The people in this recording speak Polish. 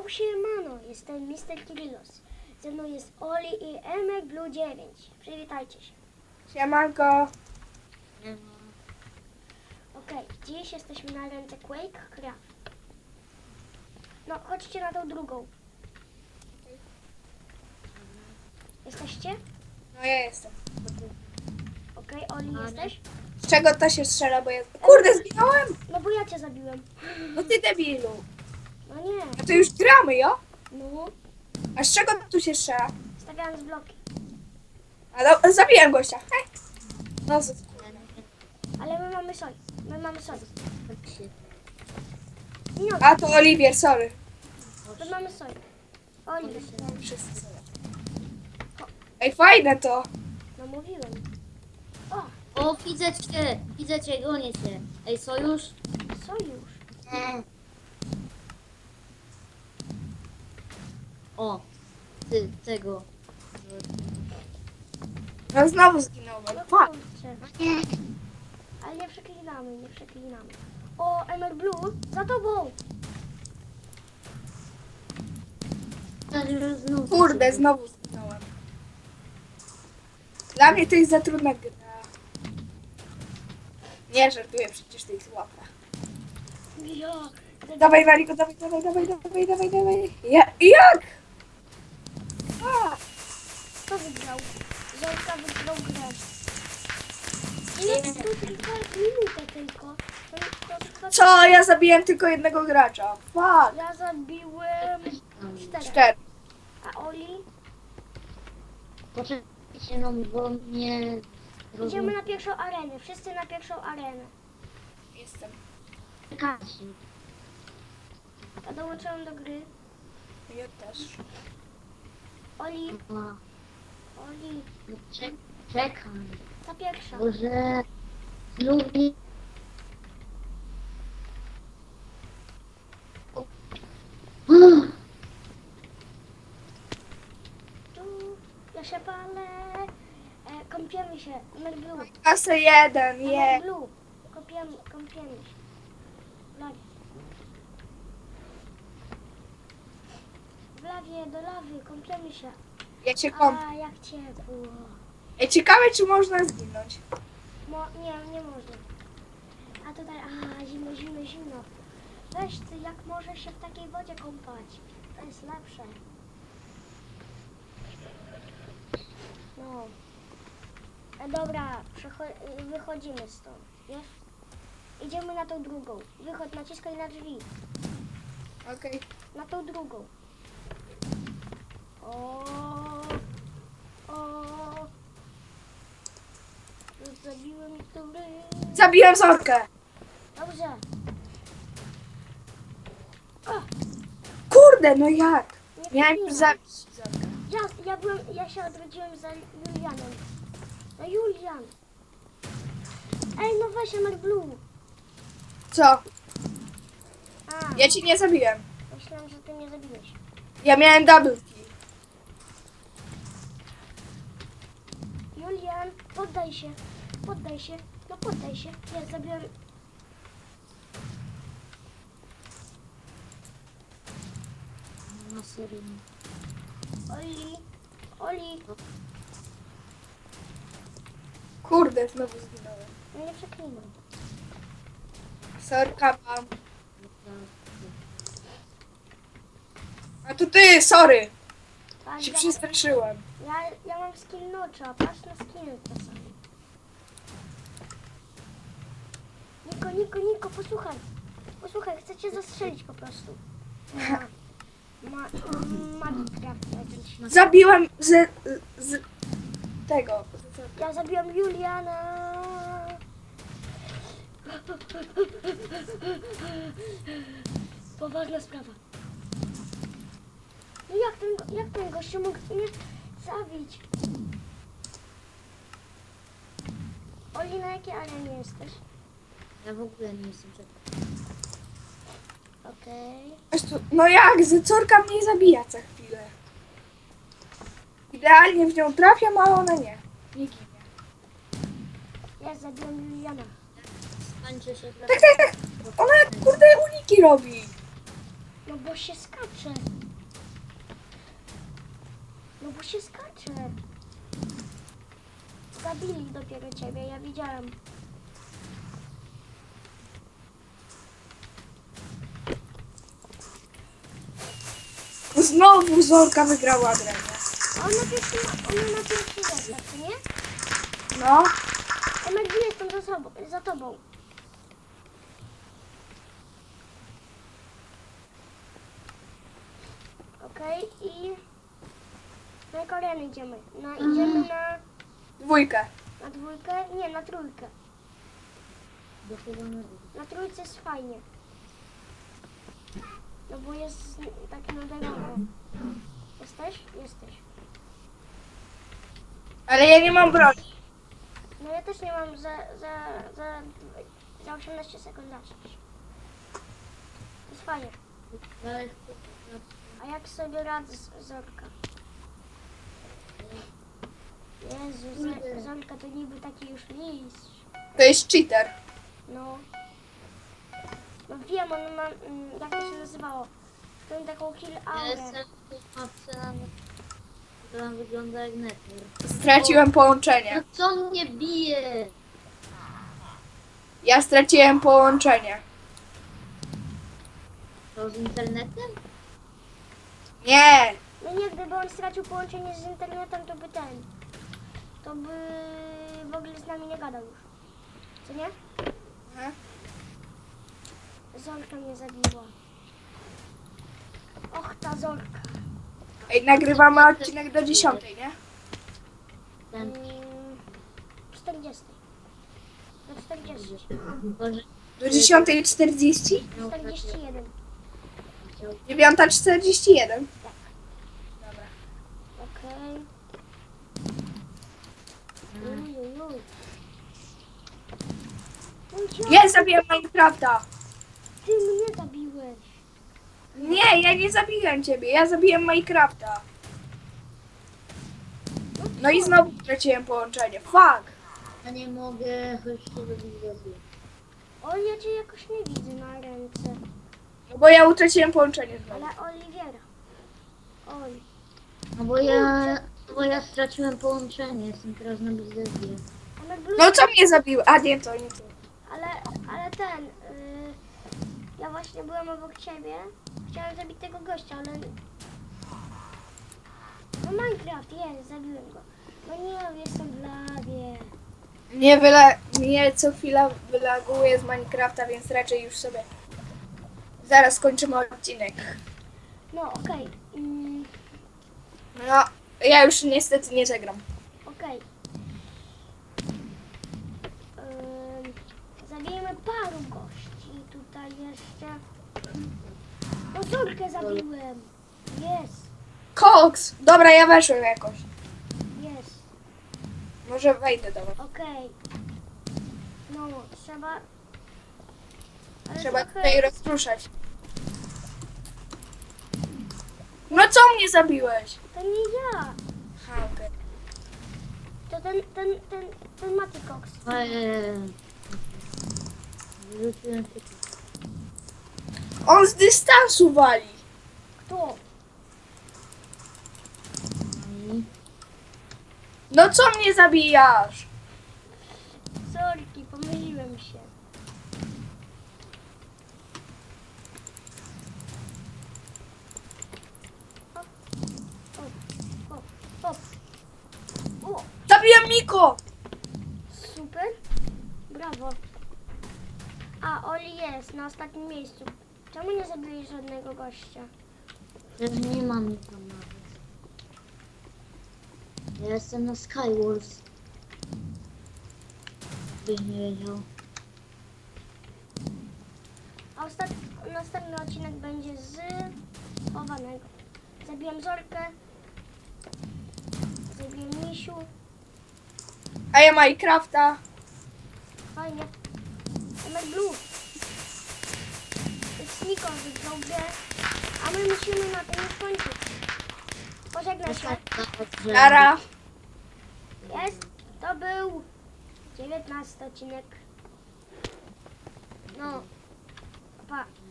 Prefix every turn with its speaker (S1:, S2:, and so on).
S1: Yo, siemano, jestem Mr. Kirillos. Ze mną jest Oli i Emek Blue 9. Przywitajcie się.
S2: Siemanko.
S1: Okej, dziś jesteśmy na ręce Quake Craft. No, chodźcie na tą drugą. Jesteście?
S2: No ja jestem.
S1: Okej, Oli, jesteś?
S2: Z czego to się strzela, bo ja... Kurde, zginąłem!
S1: No bo ja cię zabiłem.
S2: No ty debilu.
S1: No nie.
S2: A to już gramy, jo?
S1: No,
S2: A z czego tu się strzela?
S1: stawiając bloki.
S2: A no, zabiłem gościa. Hej. No,
S1: Ale my mamy soj. My mamy soj. Nie,
S2: a to Oliwier, sorry.
S1: my mamy soj. Oli,
S2: Wszyscy sorry. Ej, fajne to.
S1: no mówiłem. O,
S3: O, widzę cię, gonię cię. Ej, sojusz?
S1: sojusz.
S3: O, ty, tego.
S2: No znowu zginąłem.
S1: No
S2: Fuck.
S1: kurczę. Ale nie przeklinamy, nie przeklinamy. O, Emer Blue, za tobą!
S2: Kurde, znowu zginąłem. Dla mnie to jest za trudna gra. Nie żartuję, przecież to jest łatwa.
S1: Ja.
S2: Dawaj, Waliko, dawaj. Jak? A,
S1: Kto wygrał? Zolka wygrał grę. Ile tu tylko minutę tylko. To
S2: co? Ja zabiłem tylko jednego gracza. Fuck.
S1: ja zabiłem 4.
S2: 4.
S1: A Oli?
S3: Poczekajcie, no bo mnie...
S1: Idziemy na pierwszą arenę. Wszyscy na pierwszą arenę.
S2: Jestem.
S3: Czekajcie.
S1: Ja dołączyłem do gry.
S2: Ja też.
S1: Oli,
S3: A,
S1: Oli,
S3: no czekaj.
S1: ta pierwsza.
S3: Boże... Znów nie...
S1: Tu, ja się palę. Kąpiemy się. Emer Blue.
S2: Kasę 1,
S1: Emer
S2: je.
S1: Blue. Kąpiemy się. Lawie. W lawie, do lawy, kąpiemy się.
S2: Ja cię kąpię.
S1: A, jak ciepło.
S2: Ej, ciekawe, czy można zginąć.
S1: Nie można. A tutaj, zimno. Weź ty, jak możesz się w takiej wodzie kąpać? To jest lepsze. No. Dobra, wychodzimy stąd, wiesz? Idziemy na tą drugą. Wychodź, naciskaj na drzwi.
S2: Okej.
S1: Na tą drugą. O. Zabiłem który.
S2: Zabiłem Zorkę.
S1: Dobrze.
S2: Kurde, no jak?
S1: Nie
S2: Miałem
S1: trafiłem.
S2: już zabić Zorkę.
S1: Ja się odrodziłem za Julianem. Za Julian. Ej, no weź Emer Blue.
S2: Co?
S1: A,
S2: Ja ci nie zabiłem.
S1: myślałem, że ty mnie zabiłeś.
S2: Ja miałem double kill.
S1: Julian, poddaj się. No poddaj się. Ja zabiłem...
S3: No serio.
S1: Oli.
S2: Kurde, znowu zginąłem.
S1: No nie przeklinam.
S2: Sorka mam. A to ty, sorry.
S1: Tak,
S2: Się przestraszyłem.
S1: ja mam skill nocza. Patrz na skill czasami. Niko, posłuchaj. Posłuchaj, chcę cię zastrzelić po prostu. Minecraft jakiś.
S2: Zabiłem z tego.
S1: Ja zabiłam Juliana. Poważna sprawa. No jak ten gościu mógł mnie zabić? Oli, na jakiej arenie jesteś?
S3: Ja w ogóle nie jestem czekał.
S1: Okej.
S2: No jak? Zorka mnie zabija za chwilę. Idealnie w nią trafiam, a ona nie. Nie ginie.
S1: Ja zabiłam Juliana.
S3: Tak. 1 skończy się...
S2: Tak. Ona kurde uniki robi.
S1: No bo się skacze. No bo się skacze. Zabili dopiero ciebie, ja widziałem.
S2: Znowu Zorka wygrała grę.
S1: A ona na pierwszy zestaw, co nie?
S2: No.
S1: Emek, gdzie jestem za tobą? Okej, i na jaką arenę idziemy? Idziemy
S2: Dwójkę.
S1: na dwójkę? Nie, na trójkę.
S3: Do chyba na...
S1: Na trójce jest fajnie. No bo jest taki naderowy. Jesteś? Jesteś.
S2: Ale ja nie mam broni.
S1: No ja też nie mam za 18 sekund zacząć. To jest fajnie.
S3: Ale...
S1: A jak sobie radzę z Zorka? Jezu, Zorka to niby taki już mistrz.
S2: To jest cheater.
S1: No. No wiem, on ma, jak to się nazywało? To taką kill
S3: Ja
S1: aurę.
S3: jestem w mapce, która wygląda jak nether.
S2: Straciłem
S3: No
S2: połączenie.
S3: co mnie bije?
S2: Ja straciłem połączenie.
S3: To z internetem?
S2: Nie.
S1: No nie, gdyby on stracił połączenie z internetem, to by to by w ogóle z nami nie gadał już. Co nie?
S2: Aha.
S1: Zorka mnie zabiła. Och, ta Zorka.
S2: Ej, nagrywamy odcinek do 10, nie?
S3: Ten...
S1: 40. Do 40.
S3: Boże,
S2: Do 10:40?
S3: miał
S1: 41.
S2: 9:41. Dobra.
S1: Okej. Uj, uj, uj.
S2: Ja zabiłem Minecrafta.
S1: Ty mnie zabiłeś.
S2: Nie, ja nie zabiłem ciebie. Ja zabiłem Minecrafta. No i znowu straciłem połączenie. Fuck.
S3: Ja nie mogę, choć się robić zabiję.
S1: O, ja cię jakoś nie widzę na ręce.
S2: No bo ja utraciłem połączenie znowu.
S1: Ale Oliwiera. Oj.
S3: Bo ja straciłem połączenie, jestem teraz na biznesie.
S1: Ale blue...
S2: No co mnie zabiło? A nie, to nie to.
S1: Ale ten... ja właśnie byłem obok ciebie. Chciałem zabić tego gościa, ale... No Minecraft, jest, zabiłem go. No nie, jestem w lawie.
S2: Mnie co chwila wylaguje z Minecrafta, więc raczej już sobie zaraz kończymy odcinek.
S1: No, okej.
S2: No, ja już niestety nie zagram.
S1: Okej. Zabijemy paru gości. Tutaj jeszcze... No Zorkę zabiłem. Jest,
S2: Koks! Dobra, ja weszłem jakoś.
S1: jest.
S2: Może wejdę do was.
S1: Okej. No, trzeba... Ale
S2: Trzeba
S1: trochę-
S2: tutaj rozruszać. No co mnie zabiłeś?
S1: To nie ja.
S2: Aha, okej.
S1: To ten Mati Cox.
S3: Wyrzuciłem się tu.
S2: On z dystansu wali.
S1: Kto?
S3: I
S2: No co mnie zabijasz?
S1: Sorki, pomyliłem się. Hop, hop, hop, hop. O,
S2: Zabiłem Miko!
S1: super. Brawo. A, Oli jest na ostatnim miejscu. Czemu nie zabiłeś żadnego gościa?
S3: też nie mam nic tam nawet. Ja jestem na Skywars. Byś nie wiedział.
S1: A następny odcinek będzie z chowanego. Zabiłem Zorkę. Zabiłem Misiu.
S2: A ja Minecrafta.
S1: Fajnie. Emek Blue. Sniko wygrał grę. A my musimy na tym już kończyć. Pożegnaj się.
S2: Nara.
S1: Jest. To był 19 odcinek. No. Pa.